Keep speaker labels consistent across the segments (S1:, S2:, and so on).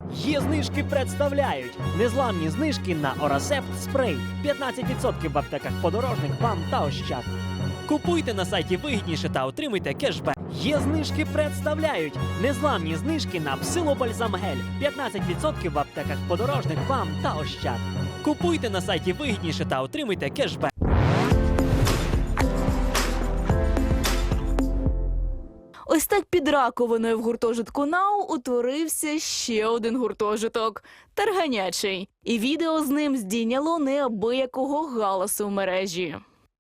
S1: Є знижки представляють незламні знижки на Орасепт спрей. 15% в аптеках Подорожник, БАМ та Ощад. Купуйте на сайті вигідніше та отримуйте кешбек. Є знижки представляють незламні знижки на Псилобальзам гель. 15% в аптеках Подорожник, БАМ та Ощад. Купуйте на сайті вигідніше та отримуйте кешбек.
S2: Ось так під раковиною в гуртожитку НАУ утворився ще один гуртожиток – Тарганячий. І відео з ним здійняло неабиякого галасу в мережі.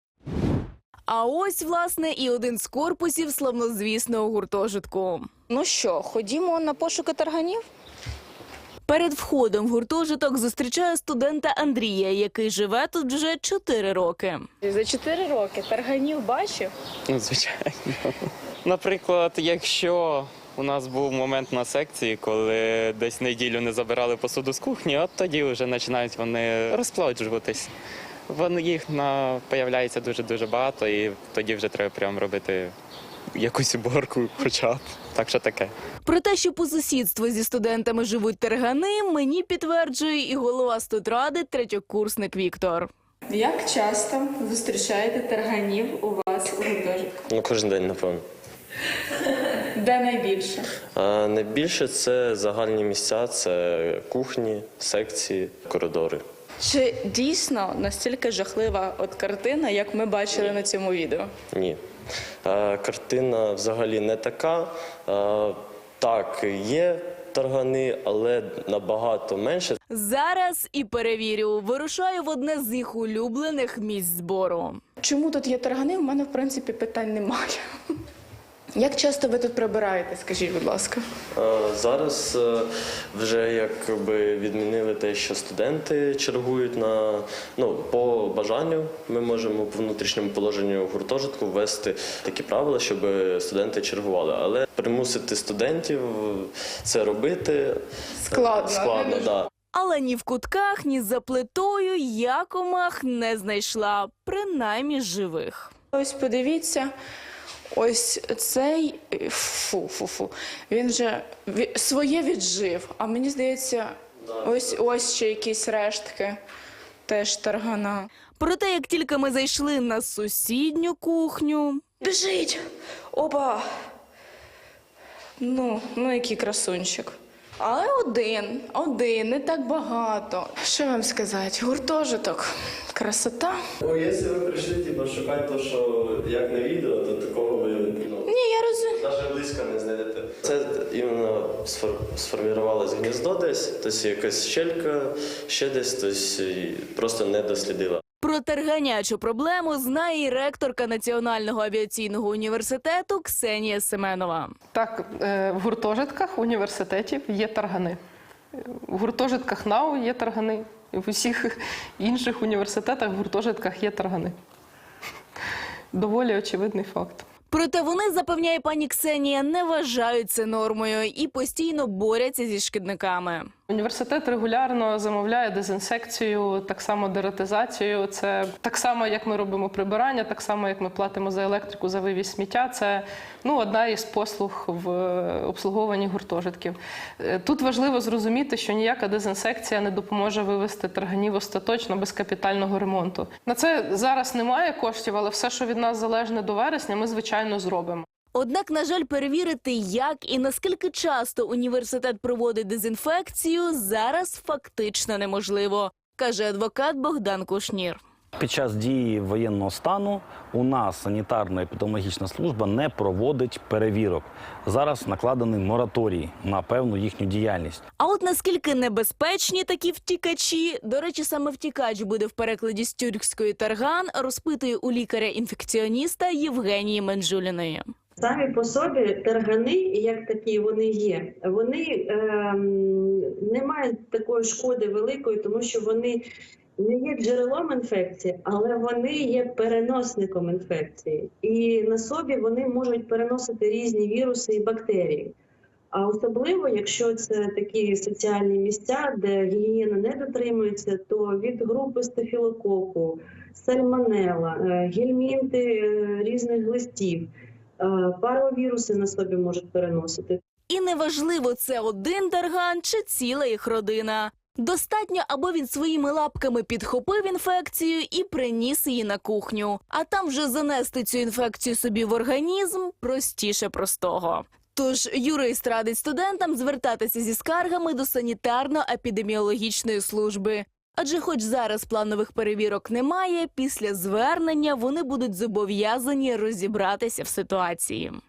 S2: А ось, власне, і один з корпусів славнозвісного гуртожитку. Ну що, ходімо на пошуки тарганів? Перед входом в гуртожиток зустрічаю студента Андрія, який живе тут вже 4 роки. За 4 роки тарганів бачив?
S3: Ну, звичайно. Наприклад, якщо у нас був момент на секції, коли десь неділю не забирали посуду з кухні, от тоді вже починають вони розплоджуватись. Їх появляється дуже-дуже багато, і тоді вже треба прямо робити якусь уборку хоча б. Так що таке.
S2: Про те, що по сусідству зі студентами живуть таргани, мені підтверджує і голова студради, третьокурсник Віктор. Як часто зустрічаєте тарганів у вас у гуртожитку?
S4: Ну, кожен день, напевно.
S2: Де найбільше?
S4: Найбільше це загальні місця, це кухні, секції, коридори.
S2: Чи дійсно настільки жахлива от картина, як ми бачили на цьому відео?
S4: Ні. Картина взагалі не така. Так, є таргани, але набагато менше.
S2: Зараз і перевірю. Вирушаю в одне з їх улюблених місць збору. Чому тут є таргани? У мене, в принципі, питань немає. Як часто ви тут прибираєте, скажіть, будь ласка?
S4: Зараз вже якби відмінили те, що студенти чергують по бажанню. Ми можемо по внутрішньому положенню гуртожитку ввести такі правила, щоб студенти чергували. Але примусити студентів це робити складно, да.
S2: Але ні в кутках, ні за плитою я комах не знайшла, принаймні живих. Ось подивіться. Ось цей, він вже своє віджив, а мені здається, ось ще якісь рештки, теж таргана. Проте, як тільки ми зайшли на сусідню кухню... Біжить! Опа! Ну, який красунчик. Але один, не так багато. Що вам сказати, гуртожиток, красота.
S4: Якщо ви прийшли, шукати те, що як на відео, то такого ви
S2: Ні, я розумію.
S4: навіть близько не знайдете. Це іменно сформувалось гніздо десь, тобто якась щелька, ще десь, тобто просто не дослідила.
S2: Про тарганячу проблему знає і ректорка Національного авіаційного університету Ксенія Семенова.
S5: Так, в гуртожитках університетів є таргани. В гуртожитках НАУ є таргани. І в усіх інших університетах в гуртожитках є таргани. Доволі очевидний факт.
S2: Проте вони, запевняє пані Ксенія, не вважають це нормою і постійно борються зі шкідниками.
S5: Університет регулярно замовляє дезінсекцію, так само дератизацію. Це так само, як ми робимо прибирання, так само, як ми платимо за електрику, за вивіз сміття. Це одна із послуг в обслуговуванні гуртожитків. Тут важливо зрозуміти, що ніяка дезінсекція не допоможе вивести тарганів остаточно без капітального ремонту. На це зараз немає коштів, але все, що від нас залежне до вересня, ми, звичайно, зробимо.
S2: Однак, на жаль, перевірити, як і наскільки часто університет проводить дезінфекцію, зараз фактично неможливо, каже адвокат Богдан Кушнір.
S6: Під час дії воєнного стану у нас санітарно-епідеміологічна служба не проводить перевірок. Зараз накладений мораторій на певну їхню діяльність.
S2: А от наскільки небезпечні такі втікачі, до речі, саме втікач буде в перекладі з тюркської тарган, розпитує у лікаря-інфекціоніста Євгенії Менжуліної.
S7: Самі по собі таргани, як такі вони є, вони не мають такої шкоди великої, тому що вони не є джерелом інфекції, але вони є переносником інфекції. І на собі вони можуть переносити різні віруси і бактерії. А особливо, якщо це такі соціальні місця, де гігієна не дотримується, то від групи стафілококу, сальмонелла, гельмінти різних глистів, паровіруси на собі можуть переносити.
S2: І неважливо, це один тарган чи ціла їх родина. Достатньо, аби він своїми лапками підхопив інфекцію і приніс її на кухню. А там вже занести цю інфекцію собі в організм простіше простого. Тож юрист радить студентам звертатися зі скаргами до санітарно-епідеміологічної служби. Адже хоч зараз планових перевірок немає, після звернення вони будуть зобов'язані розібратися в ситуації.